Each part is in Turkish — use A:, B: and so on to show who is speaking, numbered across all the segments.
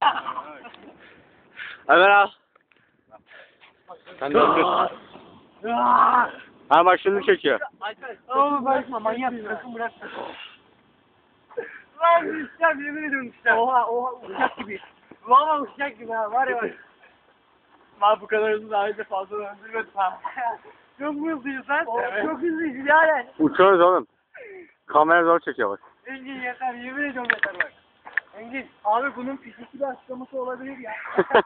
A: Ömer al. Sen döndür. Ha bak şimdi çekiyor.
B: Oğlum bırakma manyak bırakın bırak. Lan uçacağım yemin ediyorum uçacağım. Oha uçacak gibi. Valla uçacak gibi ha var ya bak. Lan bu kadar hızlı daha önce fazla öldürmedim ha. Çok mu hızlıyız lan? Evet. Çok hızlıyız yani.
A: Uçuyoruz oğlum. Kamera zor çekiyor bak.
B: Engin yeter yemin ediyorum yeter bak. Engin abi bunun fiziki bir açıklaması olabilir ya.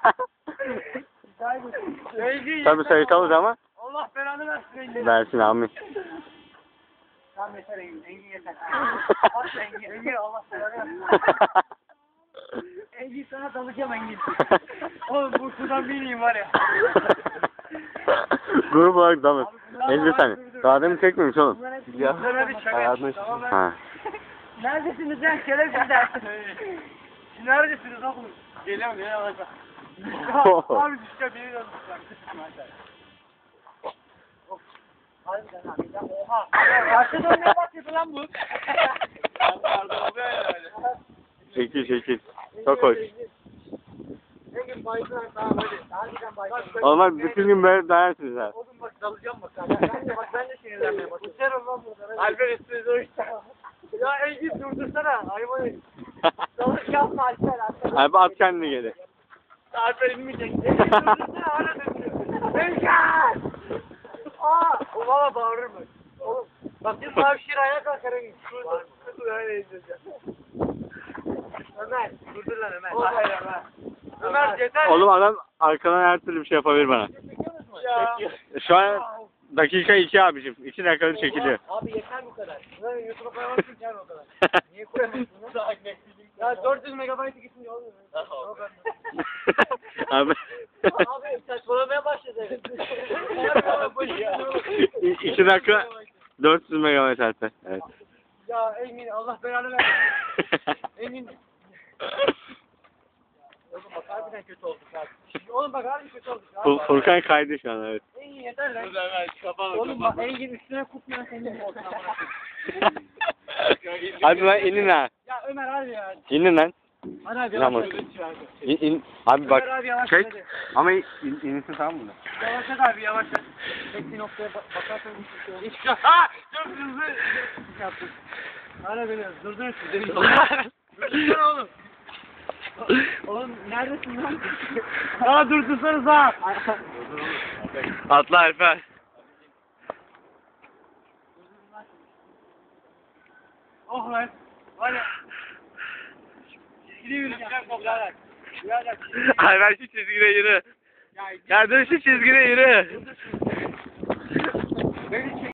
B: Engin
A: Tabii sayısalız ama.
B: Allah belanı versin Engin.
A: Versin amin.
B: Tamam yeter Engin. Engin yeter. Bak Engin. Engin Allah belanı versin. Engin sana dalacağım Engin. Oğlum bu sudan bineyim var ya.
A: Grup olarak dalır. 50 saniye. Daha demin çekmemiş oğlum.
B: Ya. Tamam ben.
A: Ha.
B: Neredesiniz lan? Şerefsiz dersin. Neredesiniz oğlum? Geliyorum ya yavaş bak. Abi düşeceğim yemin ediyorum. Harbiden abi ya oha. Başta dönmeye başladı lan bu.
A: Çekil. Çok hoş.
B: Engin bayılır tamam hadi. Harbiden bayılır.
A: Olmaz bütün gün böyle dayarsınız ha.
B: Oğlum bak dalacağım bak. Ben de sinirlenmeye başladım. Uçarım lan burada. Alper üstünüze uçtu. Ya Engin durdursana. Hayvan. Dalış yapma Alper.
A: Abi at kendini geri.
B: Alper inmeyecek. Engin durdursana hala dönüyor. Engin! O valla bağırır mı? Oğlum. Bak bir mavşir ayağa kalkar Engin. Dur öyle izleyeceğim. Ömer. Durdur lan Ömer. Hayır Ömer. Ömer yeter.
A: Oğlum adam arkadan her türlü bir şey yapabilir bana.
B: Ya.
A: Şu an dakika 2 abicim. 2 dakikada çekiliyor.
B: Abi yeter bu kadar. Lan YouTube'a koyamazsın ki o kadar. Niye koyamazsın lan? Ya 400 megabaytı gitmiyor olmuyor.
A: Abi.
B: Abi saçmalamaya başladı.
A: 2 dakika 400 megabayt hatta. Evet.
B: Ya Engin Allah belanı versin. Engin. Oğlum bak harbiden kötü olduk abi. Oğlum bak harbiden kötü olduk abi.
A: Furkan kaydı şu an evet.
B: Engin yeter lan. Oğlum bak Engin üstüne kutmayan senin olsun.
A: Abi ben inin ha.
B: Ya Ömer abi ya.
A: İnin lan.
B: Hadi abi
A: Yavaş.
B: yavaş.
A: İn. Abi bak.
B: Ömer abi yavaş
A: Çek.
B: hadi.
A: Ama inilsin tamam mı?
B: Yavaş abi yavaş. Tek bir noktaya bakarsan bir şey olur. İşte ha! Çok hızlı yaptın. Hala beni durdurun siz. Durdursana oğlum. Oğlum neredesin lan? Aa durdursanız ha.
A: Atla Alper.
B: Oh lan. Var ya. Çizgili yürüyeceğim. Birader.
A: Alper şu çizgide yürü. Ya dur şu çizgide yürü.
B: Beni çek.